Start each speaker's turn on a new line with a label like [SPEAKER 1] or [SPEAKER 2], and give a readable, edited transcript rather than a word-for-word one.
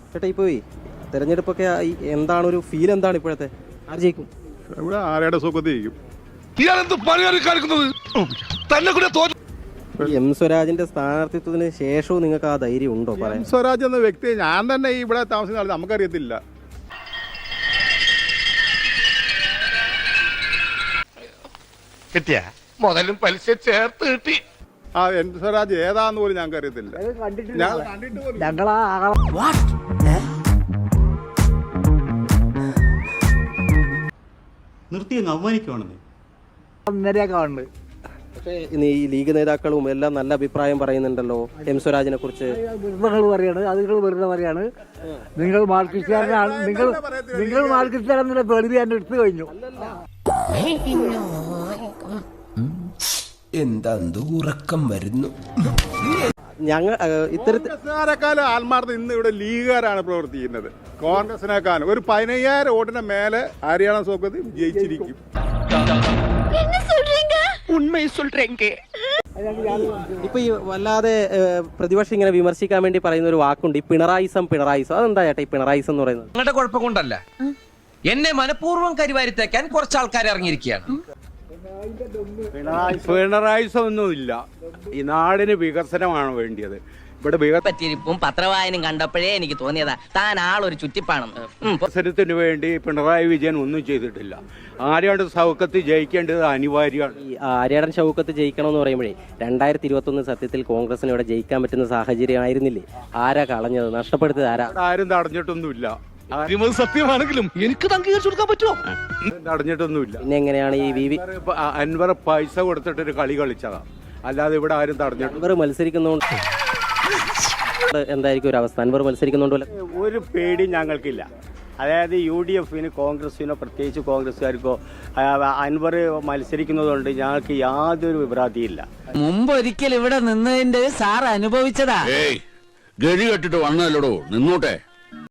[SPEAKER 1] ചേട്ടാ ഇപ്പോൾ തെരഞ്ഞെടുപ്പൊക്കെ എന്താണ് ഒരു ഫീൽ, എന്താണ് ഇപ്പോഴത്തെ? ആര് ജയിക്കും?
[SPEAKER 2] ഇവിടെ ആരുടെ സുഖത്ത് ജയിക്കും?
[SPEAKER 1] എം സ്വരാജിന്റെ സ്ഥാനാർത്ഥിത്വത്തിന് ശേഷവും നിങ്ങൾക്ക് ആ ധൈര്യം ഉണ്ടോ പറയാൻ?
[SPEAKER 2] സ്വരാജ് എന്ന വ്യക്തി ഞാൻ തന്നെ ഇവിടെ താമസിക്കുന്ന ആൾ നമുക്കറിയത്തില്ല.
[SPEAKER 3] കിട്ടിയ മുതലും പലിശ ചേർത്ത് കിട്ടി.
[SPEAKER 2] ആ എൻ സ്വരാജ് ഏതാന്ന് പോലും ഞങ്ങൾക്ക് അറിയത്തില്ല. ഞാൻ കണ്ടിട്ട് പോലും
[SPEAKER 4] നിർത്തി അങ്ങ് അവമാനിക്കുവാണെന്ന്.
[SPEAKER 1] പക്ഷേ ഈ ലീഗ് നേതാക്കളും എല്ലാം നല്ല അഭിപ്രായം പറയുന്നുണ്ടല്ലോ എം സ്വരാജിനെ കുറിച്ച്.
[SPEAKER 5] പറയാണ് അത് വെറുതെ പറയാണ്. നിങ്ങൾ മാർക്സിസ്റ്റുകാരനാണ്, നിങ്ങൾ മാർക്സിസ്റ്റുകാരെന്നുള്ള വെറുതെ ഞാൻ എടുത്തു കഴിഞ്ഞു.
[SPEAKER 6] എന്താ ഉറക്കം വരുന്നു.
[SPEAKER 1] ഞങ്ങൾ
[SPEAKER 2] കോൺഗ്രസ്സുകാരെക്കാളും ആത്മാർത്ഥം ഇന്ന് ഇവിടെ ലീഗുകാരാണ് പ്രവർത്തിക്കുന്നത്. കോൺഗ്രസിനേക്കാളും ഒരു 15,000 വോട്ടിന് മേലെ ഹരിയാണ സോക്കത്ത് ജയിച്ചിരിക്കും.
[SPEAKER 1] ഇപ്പൊ ഈ വല്ലാതെ പ്രതിപക്ഷം ഇങ്ങനെ വിമർശിക്കാൻ വേണ്ടി പറയുന്ന ഒരു വാക്കുണ്ട്, ഈ പിണറായിസം. അതെന്താ ചേട്ടാ ഈ പിണറായിസം എന്ന് പറയുന്നത്?
[SPEAKER 7] നിങ്ങളുടെ കുഴപ്പം കൊണ്ടല്ല, എന്നെ മനഃപൂർവ്വം കരിവാരിത്തേക്കാൻ കുറച്ച് ആൾക്കാർ ഇറങ്ങിയിരിക്കുകയാണ്.
[SPEAKER 8] പിണറായിസം ഒന്നുമില്ല. ഈ നാടിന് വികസനമാണ് വേണ്ടിയത്. ഇവിടെ
[SPEAKER 9] പറ്റിയിരിപ്പും പത്രവായനും കണ്ടപ്പോഴേ എനിക്ക് തോന്നിയതാ താൻ ആളൊരു ചുറ്റിപ്പാണെന്ന്.
[SPEAKER 8] വികസനത്തിന് വേണ്ടി പിണറായി വിജയൻ ഒന്നും ചെയ്തിട്ടില്ല. ആര്യാട് സൗഖ്യത്ത് ജയിക്കേണ്ടത് അനിവാര്യമാണ്.
[SPEAKER 1] ഈ ആര്യാടൻ ഷൗക്കത്ത് ജയിക്കണമെന്ന് പറയുമ്പോഴേ 2021 സത്യത്തിൽ കോൺഗ്രസിന് ഇവിടെ ജയിക്കാൻ പറ്റുന്ന സാഹചര്യം ആയിരുന്നില്ലേ? ആരാ കളഞ്ഞത്, നഷ്ടപ്പെടുത്തിയത് ആരാ?
[SPEAKER 8] ആരും തടഞ്ഞിട്ടൊന്നുമില്ല.
[SPEAKER 3] സത്യമാണെങ്കിലും എനിക്ക് അംഗീകരിച്ചു കൊടുക്കാൻ പറ്റുമോ?
[SPEAKER 8] തടഞ്ഞിട്ടൊന്നുമില്ല.
[SPEAKER 1] പിന്നെ എങ്ങനെയാണ് ഈ
[SPEAKER 8] അൻവർ പൈസ കൊടുത്തിട്ടൊരു കളി കളിച്ചതാ, അല്ലാതെ ഇവിടെ ആരും തടഞ്ഞിട്ടില്ല.
[SPEAKER 1] അൻവർ മത്സരിക്കുന്നോണ്ട് എന്തായിരിക്കും ഒരു അവസ്ഥ? അൻവർ മത്സരിക്കുന്നുണ്ടല്ലോ.
[SPEAKER 8] ഒരു പേടി ഞങ്ങൾക്കില്ല. അതായത് UDFിന് കോൺഗ്രസിനോ പ്രത്യേകിച്ച് കോൺഗ്രസ്സുകാർക്കോ അൻവർ മത്സരിക്കുന്നതുകൊണ്ട് ഞങ്ങൾക്ക് യാതൊരു വിഭ്രാന്തിയില്ല.
[SPEAKER 9] മുമ്പ് ഒരിക്കൽ ഇവിടെ നിന്നതിന്റെ സാർ അനുഭവിച്ചതാ.
[SPEAKER 3] ഗതി കെട്ടിട്ട് വന്നല്ലോടോ, നിന്നോട്ടെ.